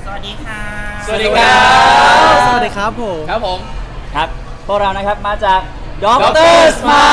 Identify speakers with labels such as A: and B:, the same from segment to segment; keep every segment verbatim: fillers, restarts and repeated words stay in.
A: สวัสดีค่ะ
B: สวัสดีครับ
C: สวัสดีครับผม
B: ครับผม
D: ครับพวกเรานะครับมาจากด็อก
B: ด็อก
D: เต
B: เต
D: อ
B: อร์
D: ร์ส
B: ส
D: ม
B: มาย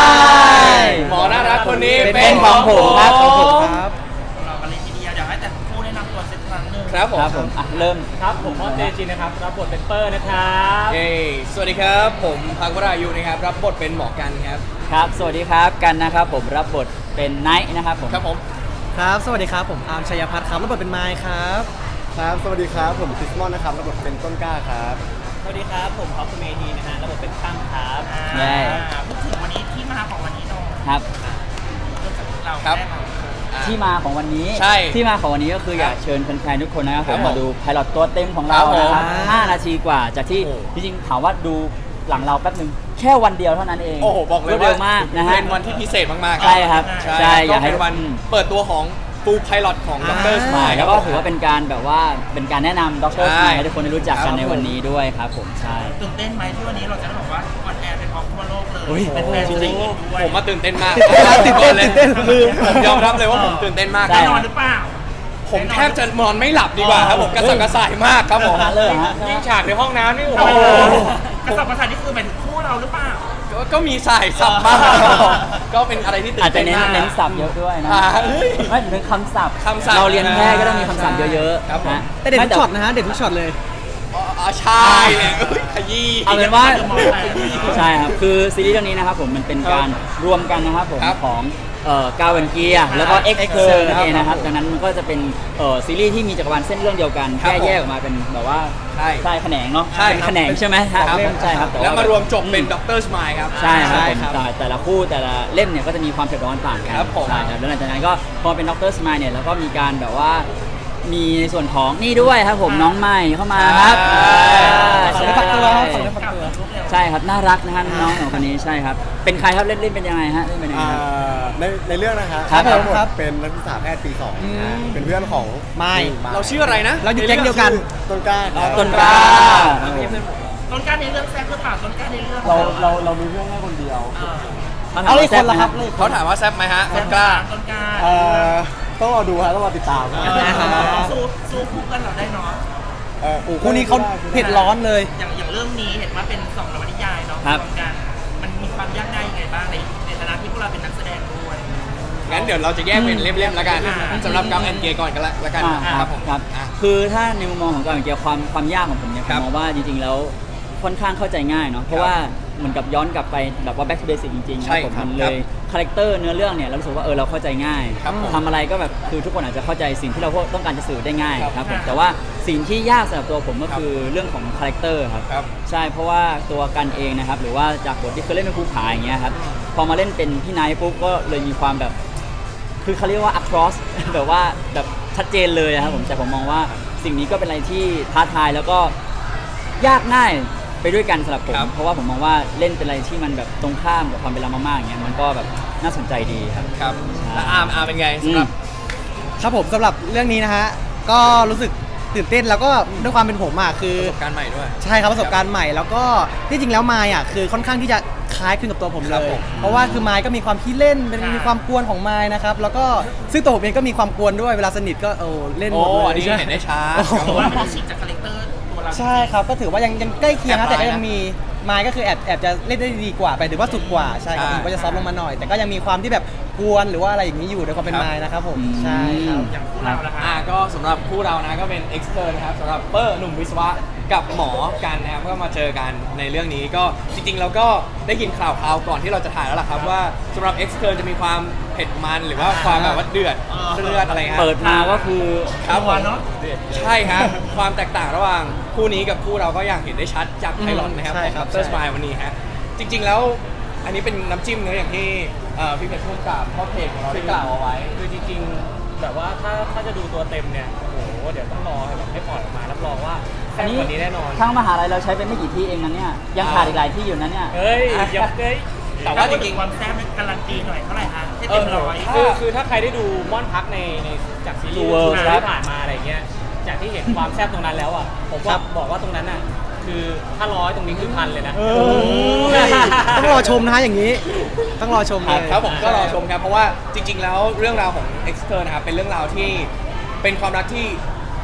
D: ล์
B: หมอน่ารักคนนี้
D: เป็น
B: เป็น
D: ของผมครับ
B: ของผม
C: ครับ
A: เรากันเลยทีเดียวเดี๋ยวให้แต่ผู้แนะนำตัวสักครั้งหนึ่ง
B: ครับผม
D: ครับผมอ่ะเริ่ม
E: ครับผมมอสเตจินนะครับรับบทเป็นเปอร์นะครับ
B: เย้สวัสดีครับ ผมพักวรายุนะครับ รับบทเป็นหมอกันครับ
D: ครับสวัสดีครับกันนะครับผมรับบทเป็นไนท์นะครับผม
B: ครับผม
C: ครับ สวัสดีครับ ผมอาร์มชัยพัฒน์ครับรับบทเป็นไมค์ครับ
F: ครับ สวัสดีครับ ผมคริสมอนนะครับรับบทเป็นต้นกล้าครับ
E: สวัสดีครับผมท็อปเมธีนะฮะรับบทเป็นตั้มครับ
A: อ่า
D: ใช่
A: พูดถึงวันนี้ที่มาของวันนี้หน่อย
D: ครับ
A: เริ่มจากเรา
B: ครับ
A: แรกก่อน
B: อ่ะ
D: ที่มาของวันนี้
B: ใช่
D: ที่มาของวันนี้ก็คืออยากเชิญแฟนๆทุกคนนะครับ
B: ค
D: ผ
B: รับ
D: ม
B: ผม
D: มาดูไพลอตตัวเต็มของเรา
B: ครับผม
D: นะครับห้านาทีกว่าจากที่
B: โอ้
D: จริงๆถามว่าดูหลังเราแป๊บนึงแค่วันเดียวเท่านั้นเอง
B: โอ้โห บอกเลย
D: รวดเร็วมากนะฮะ
B: เป็นวันที่พิเศษมากๆ
D: ใช่ครับ
B: ใช่
D: ใช่
B: อาย
D: อยาก กให้
B: เป็นวันเปิดตัวของฟูลไพลอตของด็อกเตอร์สมายค
D: แล้
B: รับ
D: วก็ถือว่าเป็นการแบบว่าเป็นการแนะนำด็อกเตอร์ส
B: ใช่
D: มายให้ทุกคนได้รู้จัก
B: ครั
D: กับ นใน
B: ผม
D: วันนี้ด้วยครับผมใช่
A: ตื่นเต้นไหมที่วันนี้เราจะได้บอกว่าออนแอร์ไปพร้อมทั่วโลกเลย
D: อุ๊ย
A: เป็นแฟนจริงๆด้วย
B: ผมมาตื่นเต้นมาก
C: ตื่นเต้น
B: เลย
C: ตื่นเต้น
B: คือผมยอมรับเลยว่าผมตื่นเต้นมาก
D: ใช่
A: แน่นอนหรือเปล่า
B: ผมแทบจะนอนไม่หลับดีกว่าครับผมกระสับกระส่ายมากครับผม
D: ขนาดเลยเหรอฮะ
E: ยิ่งฉากในห้องน้ำนี่โอ้
A: โอ้
E: โห
A: โหกระสับกระส่ายนี่คือหมายถึงคู่เราหรือเปล่า
B: ก็ก็มีสายสับมากครับผมก็เป็นอะไรที่ตื่
D: อาจ
B: น
D: จะ
B: เต้น
D: เน้น
B: มาก
D: เน้นศัพท์เยอะด้วยนะ
B: อ่าเฮ้ย
D: ไม่ถึงคำศัพท์
B: คำศัพท์
D: เราเรียนแพทย์ก็ต้องมีคำศัพท์เยอะ
B: ครับผม
D: ๆนะ
C: แต่เด็ดทุกช็อตนะฮะ เด็ดทุกช็อตเลย
B: อ๋อใช่เลยเอ้ยขยี้
D: เอาเป็นว่า
A: ขยี้
D: ใช่ครับคือซีรีส์เรื่องนี้นะครับผมมันเป็นการรวมกันนะครับผม
B: ครับ
D: ของเอ่อกาเวนเกียแล้วก็เอ็ก
C: X
D: เซอร์นั่นเองนะค
C: ครั
D: รับบ ดังนั้นมันก็จะเป็นเอ่อซีรีส์ที่มีจักรวาลเส้นเรื่องเดียวกัน
B: ครับ
D: แค่
B: ผม
D: แยกออกมาเป็นแบบว่า
B: ใช่
D: ใช่แขนงเนาะ
B: ใช่
D: เป็น
B: ครับ
D: แขนงใช่ไหมฮะ
B: ครับ
D: ใช่ครับต่
B: แล้วมารวมจบเป็น
D: อื
B: ด็อกเตอร์สมายครับ
D: ใช่ครับ
C: ใช่
D: ผม
C: ครับ
D: แต่แต่ละคู่แต่ละเล่มเนี่ยก็จะมีความเผ็ดร้อนต่างกัน
B: ครับผม
D: ใช่ครับแล้วหลังจากนั้นก็พอเป็นด็อกเตอร์สมายเนี่ยแล้วก็มีการแบบว่ามีในส่วนของนี่ด้วยครับผมน้องใหม่เข้ามาครับ
C: ขอ
D: ใช่
C: ได้พักตัวครับขอ
D: ใช่
C: ได้พัก
A: กลับ
C: ตัว
A: มาลูกเร็ว
D: ใช่ครับน่ารักนะฮะน้องของคนนี้ใช่ครับเป็นใครครับเล่นเล่นเป็นยังไงฮะเล่นเป็นยังไง
F: อ่า
D: ครับ
F: ในในเรื่องนะครับ
D: ครับ
F: ทั้งหมด
C: ครับ
F: เป็นนักศึกษาแพทย์ปีสอง
C: อืม
F: นะฮะเป็นเพื่อนของ
C: ไม่
B: เราชื่ออะไรนะ
C: เราอยู่แก๊งเดียวกัน
F: ต้นกล้าครับ
D: ต้นกล้า
A: ต้นกล้าในเรื่องแซ่บหรือเปล่าต้นกล้าในเรื่อง
F: เราเราเรามีเพื่อนแค่คนเดียว
A: เออ
C: เอาเลยคนละครับเลย
B: เขาถามว่าแซ่บไหมฮะต้นกล้า
A: ต้นกล้า
F: เอ่อต้องรอดูฮะต้องรอติดตาม
B: อ่า
A: สู้สู้คู่กันเราได้เนาะ
F: เอ่อ
C: คู่นี้เขาเผ็ดร้อนเลย
A: อย่างอย่างเรื่องนี้เห็นว่าเป็นสองนวนิยายเนาะ
D: ครับ
A: วมกันมันมีความยากง่ายยังไงบ้างในในฐานะที่พวกเราเป็นนักแสดงด้วย
B: งั้นเดี๋ยวเราจะแยกเป็นเล่มๆแล้วกัน
A: อ่า
B: สำหรับกัมแอนเกย์ก่อนกันละละกัน
D: อ่า
B: ครับผม
D: ครับ
B: อ่ะ
D: คือถ้าในมุมมองของการเกี่ยวความความยากของผมเนี่ยผ
B: ครั
D: ม
B: บ
D: มองว่าจริงๆแล้วค่อนข้างเข้าใจง่ายเนาะเพราะว่าเหมือนกับย้อนกลับไปแบบว่า back to basic จริงๆ
B: ใช่
D: ผม
B: ครับ
D: มันเลยคาแรคเตอร์เนื้อเรื่องเนี่ยเรารู้สึกว่าเออเราเข้าใจง่าย
B: ครับผม
D: ทำอะไรก็แบบคือทุกคนอาจจะเข้าใจสิ่งที่เราต้องการจะสื่อได้ง่าย
B: ครับ
D: ครับผม
A: ครับ
D: แต่ว่าสิ่งที่ยากสำหรับตัวผมก็
B: ครับ
D: คือเรื่องของคาแรคเตอร์ครับ
B: ครับ
D: ใช่เพราะว่าตัวกันเองนะครับหรือว่าจากบทที่เคยเล่นเป็นภูผาอย่างเงี้ยครับพอมาเล่นเป็นพี่ไนท์ปุ๊บก็เลยมีความแบบ คือเขาเรียกว่า across แบบว่าแบบชัดเจนเลยนะครับผมแต่ผมมองว่าสิ่งนี้ก็เป็นอะไรที่ท้าทายแล้วก็ยากง่ายไปด้วยกันสำหรับผม
B: ครับ
D: เพราะว่าผมมองว่าเล่นเป็นอะไรที่มันแบบตรงข้ามกับความเป็นเรามากๆอย่างเงี้ยมันก็แบบน่าสนใจดีครับ
B: ครับ แล้วอาร์มอาร์มเป็นไงสำหรับ
C: ครับผมสำหรับเรื่องนี้นะฮะ ก็รู้สึกตื่นเต้นแล้วก็ด้วยความเป็นผมอ่ะคือ
B: ประสบการณ์ใหม่ด้วย
C: ใช่ครับประสบการณ์ใหม่แล้วก็ที่จริงแล้วมายอ่ะคือค่อนข้างที่จะคล้ายคลึงกับตัวผม
B: ค
C: เล
B: รับ
C: ย
B: ผม
C: เพราะว่าคือมายก็มีความขี้เล่นเป็นมีความกวนของมายนะครับแล้วก็ซึ่งตัวผมเองก็มีความกวนด้วยเวลาสนิทก็โอ้เล่นห
B: โอ้
C: มดเลย
B: อันนี้
C: ใช่
B: เห็นได้ช้า
C: โอ้โห
A: เพราะว่ามันได้ฉีกจากคาแรคเตอร์ตัวเรา
C: ใช่ครับก็ถือว่ายังยังใกล้เคียงนะ
B: แอบ
C: แต่ก็
B: อายนะ
C: ยังมีมายก็คือแอบแอบจะเล่นได้ดีกว่าไปหรือว่าสุดกว่าใช่ครับ
B: ใช่
C: ผมก็จะซอฟต์ลงมาหน่อย แต่ก็ยังมีความที่แบบกวนหรือว่าอะไรอย่างนี้อยู่ในความเป็น
B: ครับ
C: มายนะครับผม
D: อืม
C: ใช่ครับ
A: อย่างคู่เราละ
B: อ่า
A: คะ
B: ก็สำหรับคู่เรานะก็เป็นเอ็กซ์เ n นะครับสำหรับเปอร์หนุ่มวิศวะกับหมอกันนะครับก็มาเจอกันในเรื่องนี้ก็จริงๆเราก็ได้ยินข่าวคราวก่อนที่เราจะถ่ายแล้วล่ะครับว่าสำหรับ X เ n จะมีความเผ็ดมันหรือว่าความแบบว่าเดือดเลือดอะไรฮะ
D: เปิดมาก็คือ
B: ครับผม
A: เนาะ
B: ใช่ฮะความแตกต่างระหว่างคู่นี้กับคู่เราก็อย่างเห็นได้ชัดจากไพลอตนะครับ
C: ใช่
B: ของ
C: ครั
B: ดั
C: บบ
B: เตอร์
C: ใช่
B: สมายวันนี้ฮะจริงๆแล้วอันนี้เป็นน้ำจิ้มเนื้ออย่างที่เอ่อพี่เพชรพูดกับพ่อเพจของเราได้กล่าวเอาไว้
E: คือจริงๆแบบว่าถ้าถ้าจะดูตัวเต็มเนี่ยโอ้โหเดี๋ยวต้องรอให้แบบให้ปล่อยออกมารับรองว่าแซ่บกว่านี้แน่นอน
D: ทั้งมหาลัยเราใช้เป็นไม่กี่ที่เองนะเนี่ยยังขาดอีกหลายที่อยู่นะเนี่ย
E: เฮ้ยอย่าเฮ้ย
B: แต่ว่าจริงๆ
A: ความแซ่บมันการันตีหน่อยเท่าไหร่คะให้
B: เอ
A: เต็
B: อ
A: มร้อย
E: คือคือถ้าใครได้ดูม่อนพักในในจากซีรี
D: True
E: ส์
D: World
E: ที่ผ่านมาอะไรเงี้ยจากที่เห็นความแซ่บตรงนั้นแล้วอ่ะผมว่าบอกว่าตรงนั้นอ่ะคือถ้าร้อยตรงนี้คือพันเลยนะ
C: เออต้องรอชมนะฮะอย่างนี้ ต้องรอชมเลย
B: ครับผมก็รอชมครับเพราะว่าจริง ๆ แล้วเรื่องราวของ X เ n นะครับเป็นเรื่องราวที่เป็นความรักที่ท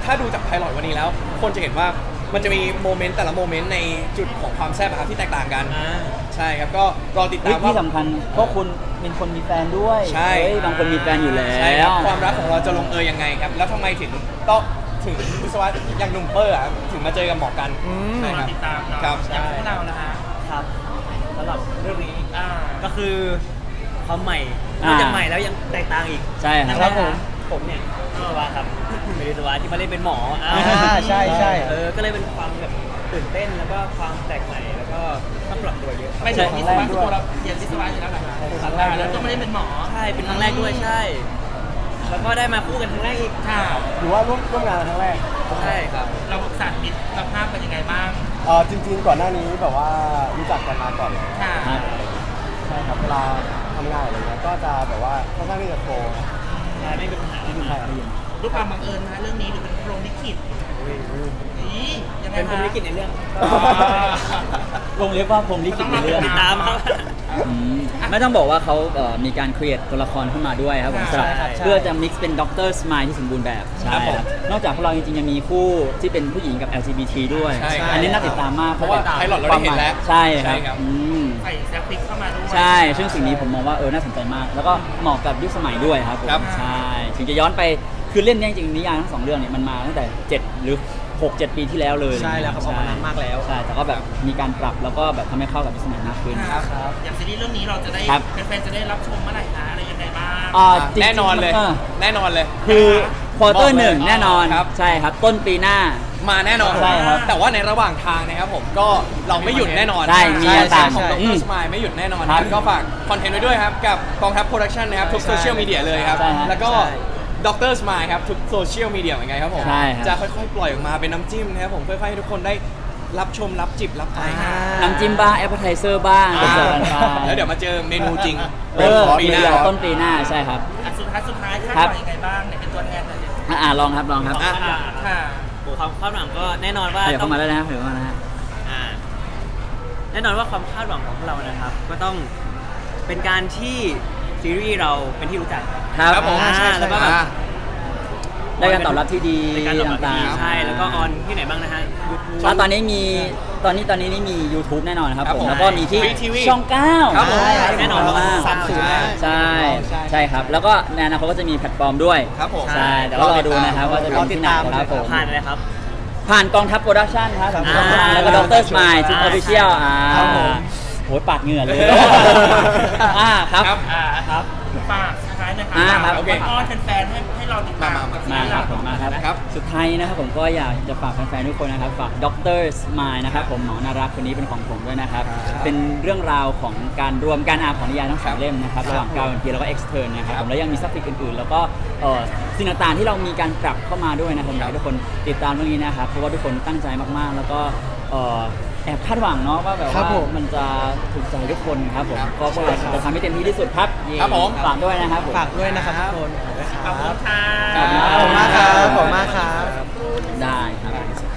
B: ถ้าดูจากไพลอตวันนี้แล้ว คนจะเห็นว่ามันจะมีโมเมนต์แต่ละโมเมนต์ในจุดของความแซ่บอะครับที่แตกต่างกัน
E: อ่า
B: ใช่ครับก็รอติด
D: เฮ้
B: ตาย ม
D: ที่
B: ว่า
D: สำคัญพวกคุณเป็นคนมีแฟนด้วย
B: ใช่
D: เฮ้ยบางคนมีแฟนอยู่แล้
B: ใช่ครับ วความรักของเราจะลงเอยยังไงครับ แล้วทำไมถึงต้องถึงวิศวะอย่างหนุ่มเปอร์อะถึงมาเจอกับหมอกัน
C: อืม
B: ใช่
A: ร
B: ค
A: อ
B: รับ
A: ติดตามเนาะ
B: ครับ
A: อย่างพวกเรานะฮะ
G: ครับสำหรับเรื่องนี้
A: อ่า
G: ก็คือความใหม่น
D: อ่า
G: อกจากใหม่แล้วยังแตกต่างอีก
D: ใช่ครับ
G: นะครับผมผมเนี่ยวิศวะครับเป็นวิศวะที่มาเล่นเป็นหมออ่า
C: อ่าใช่ใช่
G: เออก็เลยเป็นความแบบตื่นเต้นแล้วก็ความแปลกใหม่แล้วก็ต้องปรับตัวเยอะครับ
A: ไม่ใช่วิศวะคือตัวเราเรียนวิศวะอยู่แล้วเหรอคะ
G: ครั้งแรก
A: แล้วก็ไม่ได้เป็นหมอ
G: ใช่เป็นครั้งแรกด้วยใช่ แล้วก็ได้มาคู่กันครั้งแรกอีก
A: ค่ะ
F: หรือว่าร่วมร่วมงานครั้งแรก
G: ใช่ครับ
A: เราสานมิตรภาพเป็นยังไงบ้าง
F: เออจริงๆ ก่อนหน้านี้แบบว่ารู้จักกันมาก่อนแล้ว
A: ค่ะ
D: ครับ
F: ใช่ครับเวลาทำงานอะไรเงี้ยก็จะแบบว่าค่อนข้างที่จะโฟล์
G: ใช่ไม่เป็นปัญหา
F: ที่ดูไทยได้ยิน
A: ด้วยความบังเอิญนะเรื่องนี้หรือเป็นพรหมลิขิตนี่ยังไง
G: เป็น
A: คะ
G: คนวิกฤตในเรื่อง
D: วงเล็บว่าผมลิขิตในเรื่อง
G: ติดตามครับ
D: อืมไม่ต้องบอกว่าเขาเอ่อมีการ create ตัวละครขึ้นมาด้วยครับผมสำหรับ
G: ใช่ครับใช่
D: เพื่อจะ mix เป็นด็อกเตอร์สมายที่สมบูรณ์แบบใช่
B: ครับผม
D: ครับนอกจากพวกเราจริงๆยังมีคู่ที่เป็นผู้หญิงกับ แอล จี บี ที ด้วย
B: ใช่ครับ
D: อันนี้น่าติดตามมาก
B: เพราะว่า pilot เราได้เห็นแล้ว
D: ใช่ค
B: ใช่
D: รับ
B: ครับ
D: อืม
A: ใส่แซฟฟิกเข้ามาด้วย
D: ใช่ ซึ่งสิ่งนี้ผมมองว่าเออน่าสนใจมาก แล้วก็เหมาะกับยุคสมัยด้วยครับผม
B: ครับ
D: ใช่ ถึงจะย้อนไปคือเล่นเนี่ยจริงๆนิยายทั้งสองเรื่องเนี่ยมันมาตั้งแต่เจ็ดหรือหกเจ็ดปีที่แล้วเลย
C: ใช่แล้วครับออกมานานมากแล้ว
D: ใช่แต่ก็แบบมีการปรับแล้วก็แบบทำให้เข้ากับยุคสมัยมากขึ้น
A: ครับอย่างซีรีส์เรื่องนี้เราจะได้
D: ครับ
A: แฟนๆจะได้รับชมเมื่อไหร่คะอะไรยังไงบ้าง
D: อ่าจริงๆ
B: แน่นอนเลย
D: อ
B: แน่นอนเลย
D: คือควอเตอ
B: บอก
D: ร์
B: เลย
D: หนึ่งแน่นอน
B: ครับ
D: ใช่ครับ ต้นปีหน้า
B: มาแน่นอน
D: ใช่ครับ
B: แต่ว่าในระหว่างทางนะครับผมก็เราไม่หยุดแน่นอน
D: ใช่มี
B: ใช่
D: ต่าง
B: ของด
D: อื
B: ร
D: ม
B: สมายไม่หยุดแน่นอน
D: ครับ
B: ก็ฝากคอนเทนต์ไว้ด้วยครับ กับกองทัพโปรดักชันนะครับ ทุกโซเชียลมีเดียเลยครับ
D: ใช่ฮะ
B: แล้วก็
C: ใช่
B: ดรสมายครับ ทุกโซเชียลมีเดียเหมือนกันครับผม
D: ใช่ครับ
B: จะค่อยๆ ปล่อยออกมาเป็นน้ำจิ้มนะครับผมค่อยๆให้ทุกคนได้รับชมรับจิบรับไป
C: อ่า
D: น้ำจิ้มบ้างแอปเปอร์ไทเซอร์บ้าง
B: อ่า
D: เจอกันไป
B: แล้วเดี๋ยวมาเจอเมนูจริง
D: เออ
B: ปีหน้า
D: เดี๋ยวต้นปีหน้าใช่ครับ
A: อ่ะสุดท้ายสุดท้ายคาด
D: ครับ
A: หวังยังไงบ้างเนี่ยเป็นตัวแทนหน่อยดิ
D: อ่ะอ่าลองครับลองครับ
B: อ่ะ
A: ค่ะ
G: โอ้ความคาดหวังก็แน่นอนว่า
D: เดี๋ยว
G: ต้อ
D: เข้าง มาแล้วนะเดี๋ยวเข้ามานะฮะ
G: อ่าแน่นอนว่าความคาดหวังของพวกเรานะครับ ก็ต้องเป็นการที่ซีรีส์เราเป็นที่รู้จัก
D: ครับ
B: ครับผม
G: อ่า
B: ใช่ใช่
G: แล้วก็แบบ
B: อ่า
D: ได้การตอบรับที่ดี
G: ในการตอบรับที่ดี
D: ต่างๆ
G: ใช่แล้วก็ออนที่ไหนบ้างนะฮะ YouTube
D: แล้วตอนนี้มีตอนนี้ตอนนี้นี่มี YouTube แน่นอนครับ
B: ครับ
D: ผม
B: ผม
D: แล้วก็มีที่
B: Free ที วี
D: ช่องเก้า
B: ครับผม
D: ใช่
G: แน่นอน
D: มาก
G: สามสิบ
D: ใช่
B: ใช่
D: ใช่ครับ แล้วก็ในอนาคตก็จะมีแพลตฟอร์มด้วย
B: ครับผม
D: ใช่เดี๋ยวเรารอดูนะครับว่าจะเป็นที่ไหนนะครับผม
G: ผ่านอะไรครับ
D: ผ่านกองทัพโปรดักชั่นครับ
C: ครับ
D: อ่าแล้วก็ดรสมายทุกอ
G: อ่า
D: อฟฟิเชียลอ่า
C: ครับผม
D: โหปาดเหงื่อเลยอ่าครับ
B: ครับ
A: อ่าครับฝากสุดท้ายนะคะ
D: อ่าครับ
A: โอเคอ้อนแฟนๆให้ให้เราติดตาม
B: มามา
A: กับซี
D: มา
A: รีส์
D: ครั
A: เรา
D: บผมมาครับ
B: ครับ
D: สุดท้ายนี้นะครับผมก็อยากจะฝากแฟนๆทุกคนนะครับฝากดรสมายนะครับผมหมอนารักคนนี้เป็นของผมด้วยนะครับ เป็นเรื่องราวของการรวมการอ่านของนิยายทั้งสองเล่มนะครับระหว่างกาวน์ทีแล้วก็เอ็กซ์เทอร์นะครับผมแล้วยังมีซับฟิกอื่นๆ แล้วก็เอ่อสิ่งต่างๆที่เรามีการปรับเข้ามาด้วยนะครับอยากให้ทุกคนติดตามเรื่องนี้นะครับเพราะว่าทุกคนตั้งใจมากๆ แล้วก็เอ่อแอบคาดหวังเนาะว่าแบบ
C: ครับ
D: ว่า
C: ผม
D: มันจะถูกใจทุกคนครับผม
B: ครับ
D: ก็พวกเราจะทำให้เต็มที่ที่สุดครับ
B: ครับผม
D: ฝากด้วยนะครับผม
C: ฝากด้วยนะครับทุกคน
A: ขอบคุณค่ะ
D: ขอบคุณ
C: ขอบคุณมากครับขอบคุณมากครับ
D: ได้ครับ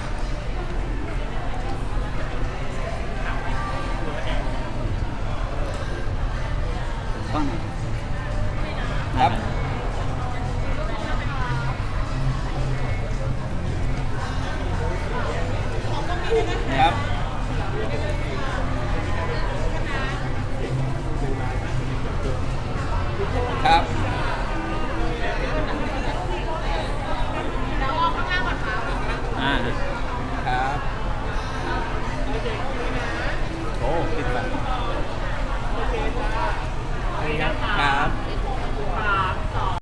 D: กล้องไหน
B: ครับ ครับ ครับ
D: อ่า
B: ครับ โอ้ติดแบบครับ